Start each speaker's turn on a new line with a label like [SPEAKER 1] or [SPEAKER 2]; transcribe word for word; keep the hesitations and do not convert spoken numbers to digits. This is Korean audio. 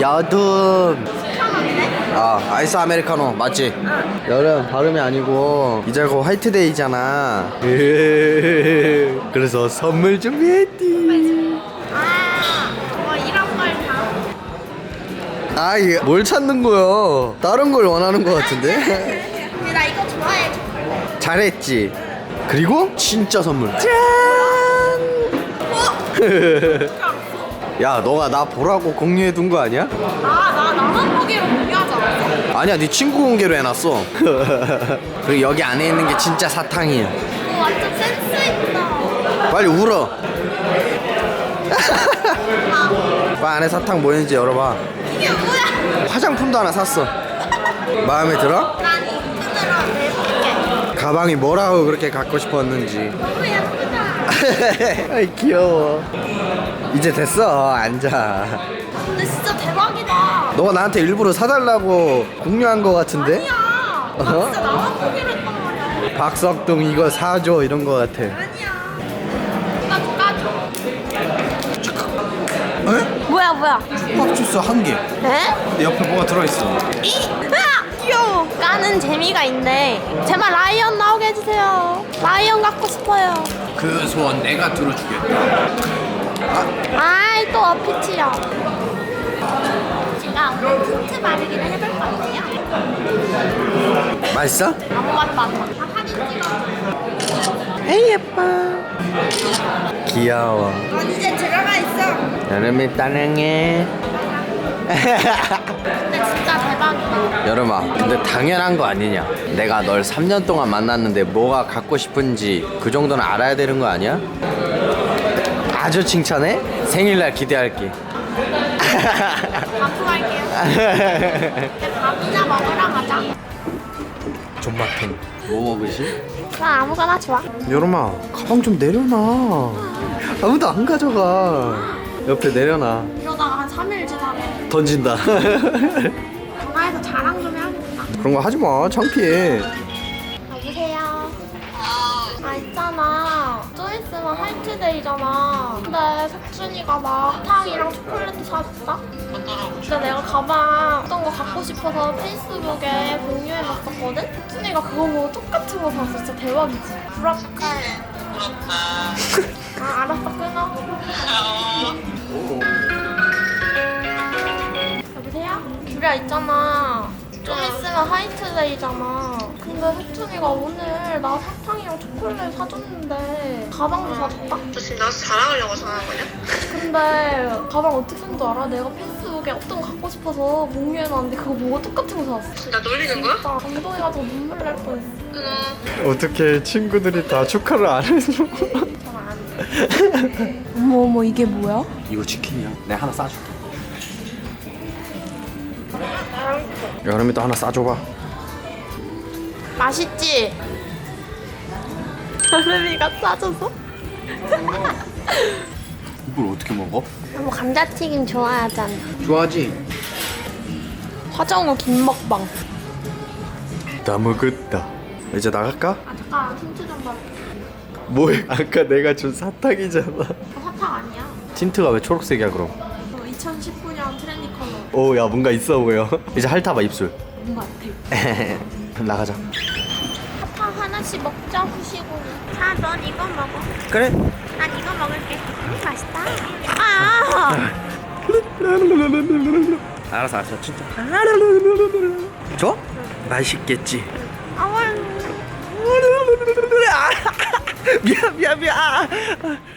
[SPEAKER 1] 여둠.
[SPEAKER 2] 시원하네?
[SPEAKER 1] 아, 아이스 아메리카노 맞지?
[SPEAKER 2] 응.
[SPEAKER 1] 여름 발음이 아니고 이제 곧 화이트데이잖아. 그래서 선물 준비했디.
[SPEAKER 2] 아, 뭐 이런 걸 다.
[SPEAKER 1] 아, 이게 뭘 찾는 거야? 다른 걸 원하는 거 같은데?
[SPEAKER 2] 근데 나 이거 좋아해, 초콜릿.
[SPEAKER 1] 잘했지. 그리고 진짜 선물. 짠. 야, 너가 나 보라고 공유해 둔 거 아니야?
[SPEAKER 2] 아, 나 나만 보기로 공유하지 않았어?
[SPEAKER 1] 아니야, 네 친구 공개로 해놨어. 그리고 여기 안에 있는 게 진짜 사탕이야.
[SPEAKER 2] 오, 완전 센스 있다.
[SPEAKER 1] 빨리 울어. 빨리 안에 사탕 뭐 있는지 열어봐.
[SPEAKER 2] 이게 뭐야?
[SPEAKER 1] 화장품도 하나 샀어. 마음에 들어?
[SPEAKER 2] 난 이 끈으로 내볼게.
[SPEAKER 1] 가방이 뭐라고 그렇게 갖고 싶었는지.
[SPEAKER 2] 너무 예쁘다.
[SPEAKER 1] 아이 귀여워. 이제 됐어. 앉아.
[SPEAKER 2] 근데 진짜 대박이다.
[SPEAKER 1] 너가 나한테 일부러 사달라고 공유한 거 같은데?
[SPEAKER 2] 아니야. 나
[SPEAKER 1] 어허?
[SPEAKER 2] 진짜 나만 보기로 했단 말이야.
[SPEAKER 1] 박석동 이거 사줘 이런 거 같아.
[SPEAKER 2] 아니야. 까줘, 까줘.
[SPEAKER 1] 에?
[SPEAKER 2] 뭐야, 뭐야?
[SPEAKER 1] 수박 주스 한 개.
[SPEAKER 2] 에?
[SPEAKER 1] 내 옆에 뭐가 들어있어.
[SPEAKER 2] 이! 으아! 귀여워. 까는 재미가 있네. 제발 라이언 나오게 해주세요. 라이언 갖고 싶어요.
[SPEAKER 1] 그 소원 내가 들어주겠다.
[SPEAKER 2] 아이, 또 어피치야. 제가 오늘 틴트 바르기를 해볼 건데요.
[SPEAKER 1] 맛있어?
[SPEAKER 2] 아무 맛도 안 나. 다 사진 찍어줘.
[SPEAKER 1] 에이 예뻐. 귀여워.
[SPEAKER 2] 넌 이제 들어가 있어.
[SPEAKER 1] 여름이 따릉해.
[SPEAKER 2] 근데 진짜 대박이다.
[SPEAKER 1] 여름아, 근데 당연한 거 아니냐? 내가 널 삼 년 동안 만났는데 뭐가 갖고 싶은지 그 정도는 알아야 되는 거 아니야? 아주 칭찬해? 생일날 기대할게.
[SPEAKER 2] 밥도 갈게요. 이제 밥이나 먹으러 가자.
[SPEAKER 1] 존맛탱. 뭐 먹으시?
[SPEAKER 2] 나 아무거나 좋아.
[SPEAKER 1] 여름아, 가방 좀 내려놔. 아무도 안 가져가. 옆에 내려놔.
[SPEAKER 2] 이러다가 한 삼 일 지나면
[SPEAKER 1] 던진다.
[SPEAKER 2] 전화해서 자랑 좀 해야겠다.
[SPEAKER 1] 그런 거 하지 마. 창피해.
[SPEAKER 2] 여보세요. 아, 있잖아. 좀 있으면 화이트데이잖아. 근데 석준이가 막 사탕이랑 초콜릿도 사줬다? 근데 내가 가방 어떤 거 갖고 싶어서 페이스북에 공유해놨었거든? 석준이가 그거 보고 똑같은 거 샀어. 진짜 대박이지. 부럽다. 아, 알았어. 끊어. 여보세요? 규리야, 있잖아. 좀 있으면 화이트데이잖아. 근데 석준이가 오늘 나 사탕이랑 초콜릿 사줬는데 가방도 사줬다?
[SPEAKER 3] 너 지금 나한테 자랑하려고 전화한 거냐?
[SPEAKER 2] 근데 가방 어떻게 산 줄 알아? 내가 페이스북에 어떤 거 갖고 싶어서 공유해놨는데 그거 보고 똑같은 거 사왔어.
[SPEAKER 3] 나 놀리는 거야?
[SPEAKER 2] 진짜 감동해가지고 눈물 날 뻔했어.
[SPEAKER 3] 끊어.
[SPEAKER 1] 어떻게 친구들이 다 축하를 안 해줘?
[SPEAKER 2] 전안 해. 어머 어머, 이게 뭐야?
[SPEAKER 1] 이거 치킨이야. 내가 하나 싸줄게. 여름이 또 하나 싸줘봐.
[SPEAKER 2] 맛있지? 여름이가 싸줘서?
[SPEAKER 1] 이걸 어떻게 먹어?
[SPEAKER 2] 뭐 감자튀김 좋아하잖아.
[SPEAKER 1] 좋아하지?
[SPEAKER 2] 화정우 김먹방.
[SPEAKER 1] 다 먹었다. 이제 나갈까?
[SPEAKER 2] 아 잠깐, 틴트 좀 봐.
[SPEAKER 1] 뭐해? 아까 내가 준 사탕이잖아.
[SPEAKER 2] 저 사탕 아니야.
[SPEAKER 1] 틴트가 왜 초록색이야 그럼?
[SPEAKER 2] 저 이천십구 년 트렌디 컬러.
[SPEAKER 1] 오, 야 뭔가 있어 보여. 이제 핥아봐 입술.
[SPEAKER 2] 뭔가 같아.
[SPEAKER 1] 나가자.
[SPEAKER 2] 사탕 하나씩 먹자, 후식으로. 자, 넌 이거 먹어.
[SPEAKER 1] 그래.
[SPEAKER 2] 난 이거 먹을게. 음, 맛있다. 아!
[SPEAKER 1] 알았어 알았어 진짜. 좋아? 맛있겠지.
[SPEAKER 2] 아,
[SPEAKER 1] 미안 미안 미안.